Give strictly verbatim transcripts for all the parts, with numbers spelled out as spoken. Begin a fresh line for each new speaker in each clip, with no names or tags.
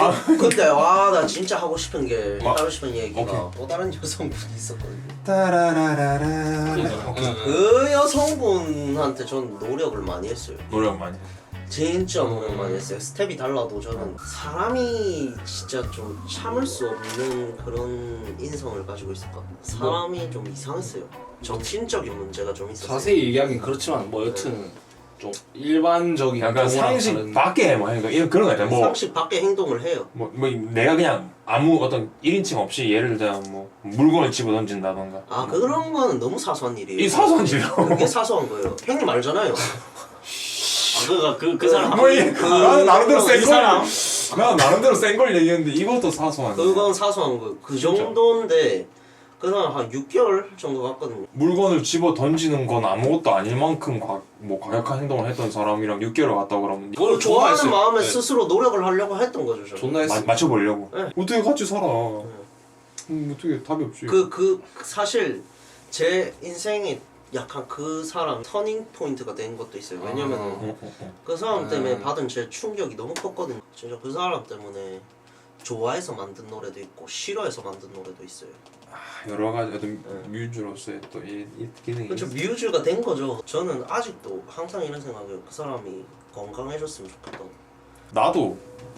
아,
근데 와 나 진짜 하고 싶은 게
뭐?
하고 싶은 얘기가
오케이.
또 다른 여성분이 있었거든요.
따라라라라.
응, 응.
그 여성분한테 전 노력을 많이 했어요.
노력 많이.
진짜 노력 많이 했어요. 스텝이 달라도 저는 사람이 진짜 좀 참을 수 없는 그런 인성을 가지고 있었거든요. 사람이 좀 이상했어요. 정신적인 문제가 좀 있었어요.
자세히 얘기하긴 그렇지만 뭐 여튼 좀 일반적인
약간
경우랑
상식
다른-
밖에 뭐 그러니까 이런 그런 거 있잖아. 뭐,
상식 밖의 행동을 해요.
뭐, 뭐 내가 그냥 아무 어떤 일 인칭 없이 예를 들어 뭐 물건을 집어 던진다던가.
아 그런 거는 너무 사소한 일이에요.
이 사소한 일이요.
그게 사소한 거예요. 형님 알잖아요.
아, 그가 그, 그 사람
뭐 이, 나는 나름대로
이
센
사람
걸. 나 나름대로 센 걸 얘기했는데 이것도 사소한.
그건 사소한 거. 그 정도인데 그 사람 한 육 개월 정도 갔거든요.
물건을 집어 던지는 건 아무것도 아닐 만큼 과, 뭐 과격한 행동을 했던 사람이랑 육 개월 갔다 그러면
그걸
좋아하는
좋아했어요.
마음에
네.
스스로 노력을 하려고 했던 거죠. 저는.
존나 했어.
마, 맞춰보려고.
네.
어떻게 같이 살아? 음, 어떻게 답이 없지.
그, 그 사실 제 인생에 약간 그 사람 터닝 포인트가 된 것도 있어요. 왜냐면은
어, 어, 어.
그 사람 때문에
음.
받은 제 충격이 너무 컸거든요. 진짜 그 사람 때문에 좋아해서 만든 노래도 있고 싫어해서 만든 노래도 있어요.
아, 여러 가지 어떤 뮤즈로서의 또 이 기능이.
그렇죠. 뮤즈가 된 거죠. 저는 아직도 항상 이런 생각이에요. 그 사람이 건강해졌으면 좋겠다.
나도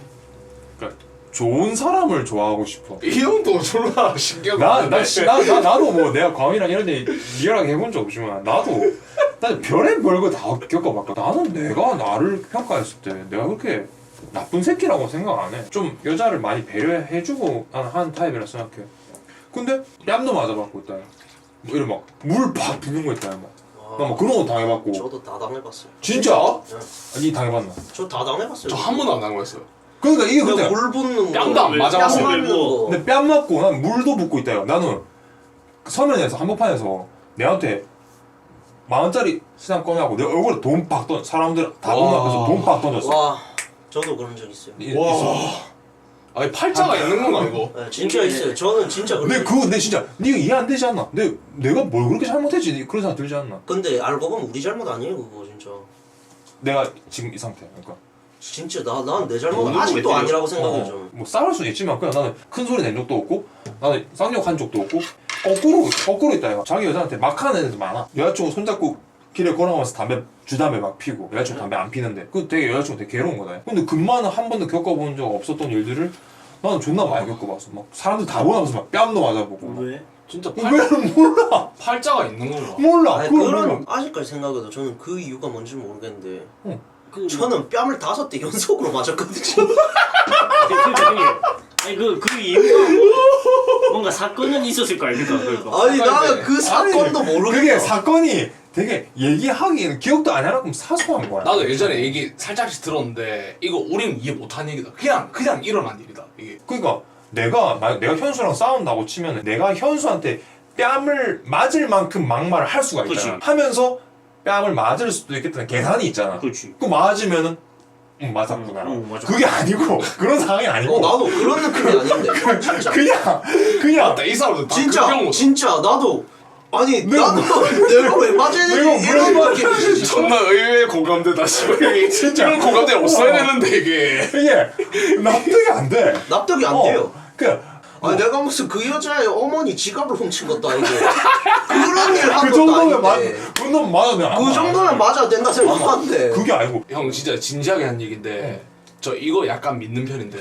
그러니까 좋은 사람을 좋아하고 싶어.
이 형도 졸라 신기한 거
나,
같은데.
나, 씨, 나, 나, 나도 뭐 내가 광이랑 이런 데 리얼하게 해본 적 없지만 나도 난 별의 별거 다 겪어봤거든. 나는 내가 나를 평가했을 때 내가 그렇게 나쁜 새끼라고 생각 안 해. 좀 여자를 많이 배려해주고 나는 하는 타입이라 생각해. 근데 뺨도 맞아봤고 있다. 뭐 이런 막 물 팍 부는 거 있다. 막. 나 막 그런 거 당해봤고.
저도 다 당해봤어요.
진짜?
네.
아니 당해봤나?
저 다 당해봤어요.
저 한 번도 안 당했어요.
그러니까 이게
그냥
근데
물 붓는 거,
뺨도 안 맞아봤어요.
뺨 맞는 거.
근데 뺨 맞고 난 물도 붓고 있다. 나는 서면에서 한복판에서 내한테 만 원짜리 시장 꺼내고 내 얼굴에 돈 팍 던. 사람들 다 보는
와.
앞에서 돈 팍 던졌어.
와, 저도 그런 적 있어요.
이-
와.
있어.
아니 팔자가 있는 건가 이거?
네, 진짜 있어요. 저는 진짜 그런
근데
적
그거 내 진짜 네가 이해 안 되지 않나? 내 내가 뭘 그렇게 잘못했지? 그런 생각 들지 않나?
근데 알고 보면 우리 잘못 아니에요 그거 진짜.
내가 지금 이 상태. 그러니까
진짜 나 난 내 잘못
너무
아직도
왜
아니라고
어,
생각해요 저는.
뭐 싸울 수는 있지만 그냥 나는 큰 소리 낸 적도 없고 나는 쌍욕한 적도 없고 거꾸로 거꾸로 있다 이거. 자기 여자한테 막 하는 애들 많아. 여자친구 손잡고 길에 걸어가면서 담배 주담배 막 피고 여자친구 담배 안 피는데 그 되게 여자친구 되게 괴로운 거다. 근데 금마는 한 번도 겪어본 적 없었던 일들을 나는 존나 많이 겪어봤어. 막 사람들 다 보면서 막 뺨도 맞아보고.
왜?
진짜 팔,
왜 몰라?
팔자가 있는 건가?
몰라.
아니,
그걸
그런
몰라.
아직까지 생각해도 저는 그 이유가 뭔지 모르겠는데
그
저는 뺨을 다섯 대 연속으로 맞았거든요.
그러니까 형님 아니 그 그 이유가 뭔가 사건은 있었을 거 아닙니까? 그러니까
아니 나는 그 사건도 모르겠어.
그게 사건이 되게 얘기하기에는 기억도 안 하나끔 사소한 거야.
나도 예전에 얘기 살짝씩 들었는데 이거 우리는 이해 못한 얘기다. 그냥 그냥 일어난 일이다 이게.
그러니까 내가 만약 내가 현수랑 싸운다고 치면 내가 현수한테 뺨을 맞을 만큼 막말을 할 수가 있잖아.
그치.
하면서 뺨을 맞을 수도 있겠다는 계산이 있잖아.
그렇지.
그 맞으면은 응 맞았구나.
응, 응, 맞아.
그게 아니고 그런 상황이 아니고
어 나도 그런 느낌이 아닌데 진짜.
그냥 그냥
맞다 이 사람도 다
진짜
그 경우
진짜 나도 아니
내가
나도 내가 왜 맞아야
내가
되지 이런
왜
느낌이지.
존나 의외의 공감대다 씨발 이게
진짜.
이런 공감대 없어야 되는데 이게.
이게 납득이 안 돼.
납득이 안
어,
돼요.
그
아니 내가 무슨 그 여자의 어머니 지갑을 훔친 것도 아니고 그런 일 한
그
것도
정도면 맞,
아닌데
그 정도면 맞아.
그 정도면 맞아야 된다 생각하는데
그게 아니고
형 진짜 진지하게 한 얘긴데 저 이거 약간 믿는 편인데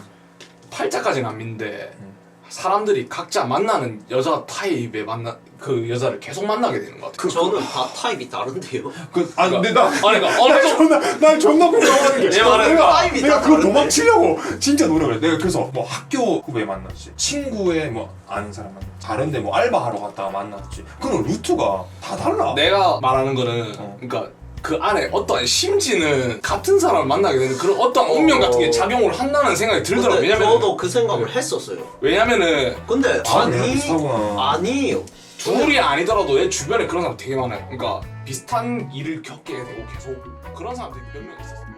팔자까지는 안 믿는데 사람들이 각자 만나는 여자 타입에 만나 그 여자를 계속 만나게 되는 것 같아.
저는 다 타입이 다른데요.
그 아니 근데 나
아니 그러니까 어느
난
정도
존나 난 존나 공감하는 게
내 말은
내가
타입이
내가
다
그거
다른데.
도망치려고 진짜 노력을 해. 내가 그래서 뭐 학교 후배 만났지 친구의 뭐 아는 사람 만났지 다른데 뭐 알바하러 갔다가 만났지 그런 루트가 다 달라.
내가 말하는 거는
어.
그러니까 그 안에 어떠한 심지는 같은 사람을 만나게 되는 그런 어떤 운명 같은 게 작용을 한다는 생각이 들더라고.
근데
왜냐면
저도 그 생각을 했었어요.
왜냐면은
근데
아, 내가
아니
비슷하구나.
아니에요.
둘이 아니더라도 내 주변에 그런 사람 되게 많아요. 그러니까 비슷한 일을 겪게 되고 계속 그런 사람들이 몇 명 있었어.